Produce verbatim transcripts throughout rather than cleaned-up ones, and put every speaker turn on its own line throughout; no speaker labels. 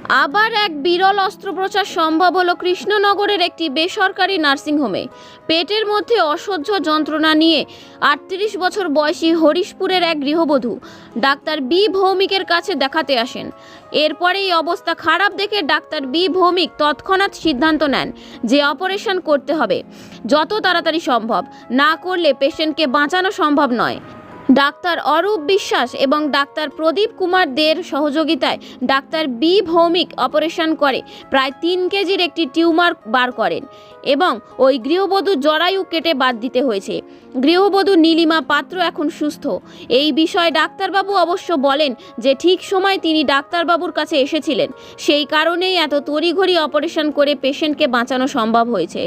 আবার এক বিরল অস্ত্রোপচার সম্ভব হলো কৃষ্ণনগরের একটি বেসরকারি নার্সিংহোমে। পেটের মধ্যে অসহ্য যন্ত্রণা নিয়ে আটত্রিশ বছর বয়সী হরিশপুরের এক গৃহবধূ ডাক্তার বি ভৌমিকের কাছে দেখাতে আসেন। এরপরে এই অবস্থা খারাপ দেখে ডাক্তার বি ভৌমিক তৎক্ষণাৎ সিদ্ধান্ত নেন যে অপারেশন করতে হবে যত তাড়াতাড়ি সম্ভব, না করলে পেশেন্টকে বাঁচানো সম্ভব নয়। ডাক্তার অরূপ বিশ্বাস এবং ডাক্তার প্রদীপ কুমার দের সহযোগিতায় ডাক্তার বি ভৌমিক অপারেশন করে প্রায় তিন কেজির একটি টিউমার বার করেন এবং ওই গৃহবধূর জরায়ু কেটে বাদ দিতে হয়েছে। গৃহবধূ নীলিমা পাত্র এখন সুস্থ। এই বিষয়ে ডাক্তারবাবু অবশ্য বলেন যে ঠিক সময় তিনি ডাক্তারবাবুর কাছে এসেছিলেন, সেই কারণেই এত তড়িঘড়ি অপারেশন করে পেশেন্টকে বাঁচানো সম্ভব হয়েছে।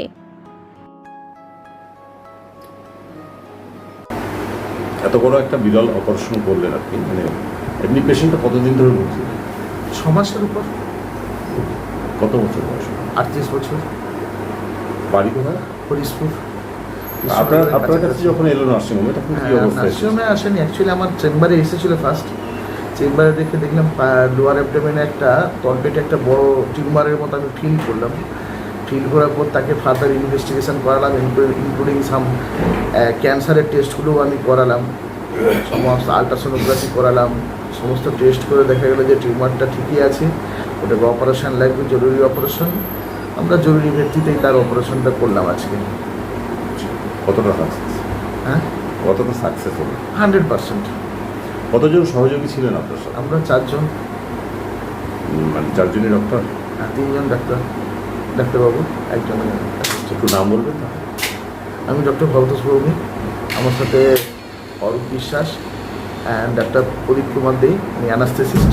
এত বড় একটা বিরল অপারেশন করলেন আপনি, মানে এমনি পেশেন্টটা কতদিন ধরে ভুগছে?
ছ মাসের উপর।
কত বছর বয়স?
আটত্রিশ বছর।
বাড়ি কোথায়?
হরিশপুর।
আপনার আপনার কাছে যখন এলো নার্সিংহোমে তখন কি অবস্থা?
নার্সিংহোমে আসেনি, অ্যাকচুয়ালি আমার চেম্বারে এসেছিল ফার্স্ট। চেম্বারে দেখে দেখলাম লোয়ার অ্যাবডোমেনে একটা তলপেটে একটা বড় টিউমারের মতো আমি ফিল করলাম। ফিল করার পর তাকে ফার্দার ইনভেস্টিগেশন করালাম, ইনক্লুডিং সাম ক্যান্সারের টেস্টগুলোও আমি করালাম, সমস্ত আলট্রাসোনোগ্রাফি করালাম। সমস্ত টেস্ট করে দেখা গেলো যে টিউমারটা ঠিকই আছে, ওটাকে অপারেশন লাগবে, জরুরি অপারেশন। আমরা জরুরি ভিত্তিতেই তার অপারেশনটা করলাম আজকে।
কতটা সাকসেস?
হ্যাঁ,
কতটা সাকসেস হলো?
Hundred percent.
কতজন সহযোগী ছিলেন আপনার সাথে?
আমরা চারজন।
মানে চারজনই ডক্টর?
হ্যাঁ, তিনজন ডাক্তার, ডাক্তারবাবু, একজন।
একটু নাম বলবেন না?
আমি ডক্টর ভরতোষ ভৌমিক, আমার সাথে অরূপ বিশ্বাস অ্যান্ড ডাক্তার প্রদীপ কুমার দে, আমি অ্যানাস্থেসিস্ট।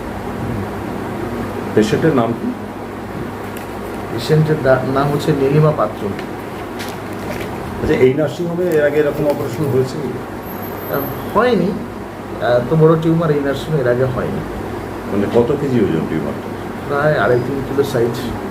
পেশেন্টের নাম কি?
পেশেন্টের নাম হচ্ছে নীলিমা পাত্র।
আচ্ছা, এই নার্সিংহোমে এর আগে এরকম অপারেশন হয়েছে?
হয়নি, এত বড় টিউমার এই নার্সিংহোমে এর আগে হয়নি।
মানে কত কেজি ওজন টিউমারটা?
প্রায় আড়াই তিন কিলো সাইজ।